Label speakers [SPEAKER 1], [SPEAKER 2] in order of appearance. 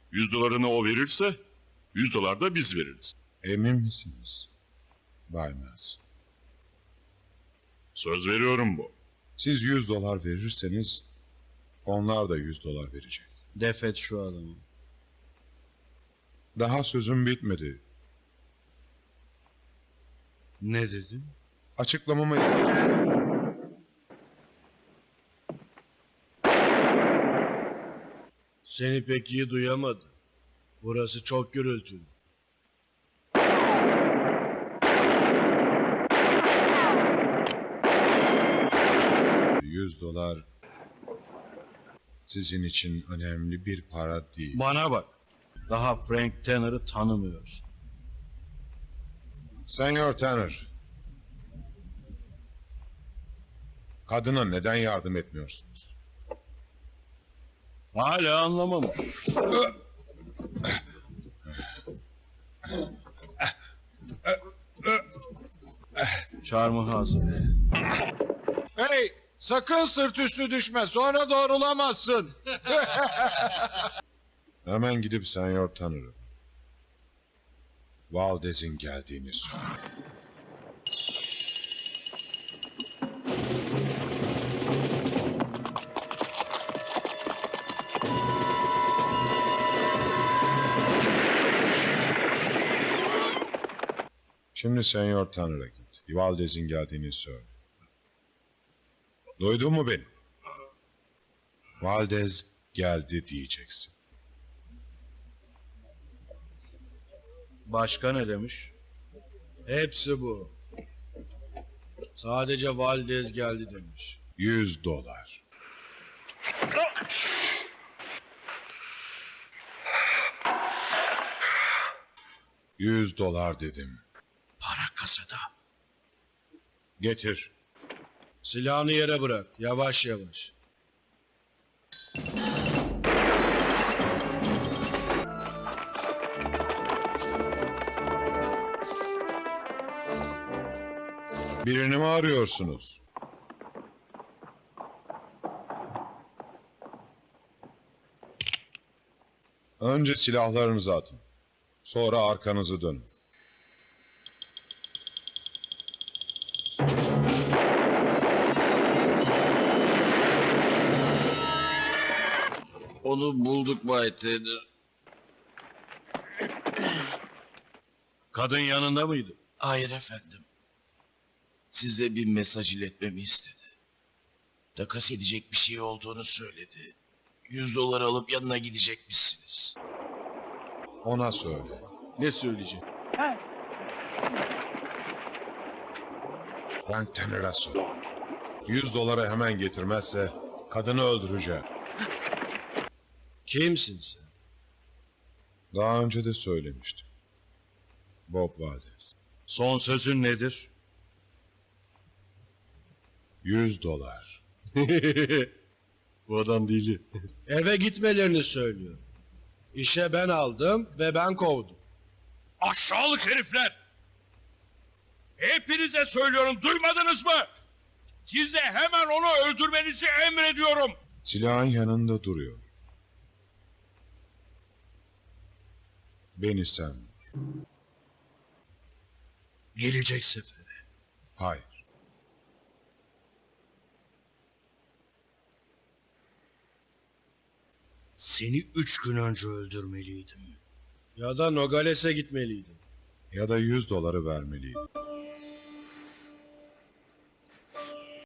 [SPEAKER 1] $100'ını o verirse $100 da biz veririz.
[SPEAKER 2] Emin misiniz Bay Miles?
[SPEAKER 1] Söz veriyorum bu.
[SPEAKER 2] Siz $100 verirseniz onlar da $100 verecek.
[SPEAKER 3] Defet şu adamı.
[SPEAKER 2] Daha sözüm bitmedi.
[SPEAKER 3] Ne dedin?
[SPEAKER 2] Açıklamama izin.
[SPEAKER 4] Seni pek iyi duyamadı. Burası çok gürültülü.
[SPEAKER 2] $100 sizin için önemli bir para değil.
[SPEAKER 3] Bana bak. Daha Frank Tanner'ı tanımıyorsun.
[SPEAKER 2] Senyor Tanner, kadına neden yardım etmiyorsunuz?
[SPEAKER 3] Hala anlamamış. Çarmıha hazır.
[SPEAKER 2] Hey! Sakın sırt üstü düşme, sonra doğrulamazsın. Hemen gidip Senyor Tanner'ı, Valdez'in geldiğini söyle. Şimdi Senyor Tanner'a git. Valdez'in geldiğini söyle. Duydun mu beni? Valdez geldi diyeceksin.
[SPEAKER 3] Başka ne demiş?
[SPEAKER 4] Hepsi bu. Sadece Valdez geldi demiş.
[SPEAKER 2] $100. $100 dedim.
[SPEAKER 3] Para kasada.
[SPEAKER 2] Getir.
[SPEAKER 4] Silahını yere bırak. Yavaş yavaş.
[SPEAKER 2] Birini mi arıyorsunuz? Önce silahlarınızı atın. Sonra arkanızı dönün.
[SPEAKER 5] Onu bulduk Bay Tanner.
[SPEAKER 3] Kadın yanında mıydı?
[SPEAKER 5] Hayır efendim. Size bir mesaj iletmemi istedi. Takas edecek bir şey olduğunu söyledi. $100 alıp yanına gidecekmişsiniz.
[SPEAKER 2] Ona söyle.
[SPEAKER 4] Ne söyleyecek?
[SPEAKER 2] Frank Tanner'a söyle. $100 hemen getirmezse kadını öldüreceğim.
[SPEAKER 4] Kimsin sen?
[SPEAKER 2] Daha önce de söylemiştim. Bob Valdez.
[SPEAKER 3] Son sözün nedir?
[SPEAKER 2] $100.
[SPEAKER 4] Bu adam deli. Eve gitmelerini söylüyor. İşe ben aldım ve ben kovdum.
[SPEAKER 3] Aşağılık herifler! Hepinize söylüyorum, duymadınız mı? Size hemen onu öldürmenizi emrediyorum.
[SPEAKER 2] Silahın yanında duruyor. Beni sen vur.
[SPEAKER 3] Gelecek sefere.
[SPEAKER 2] Hayır.
[SPEAKER 3] Seni 3 gün önce öldürmeliydim.
[SPEAKER 4] Ya da Nogales'e gitmeliydim.
[SPEAKER 2] Ya da $100 vermeliyim.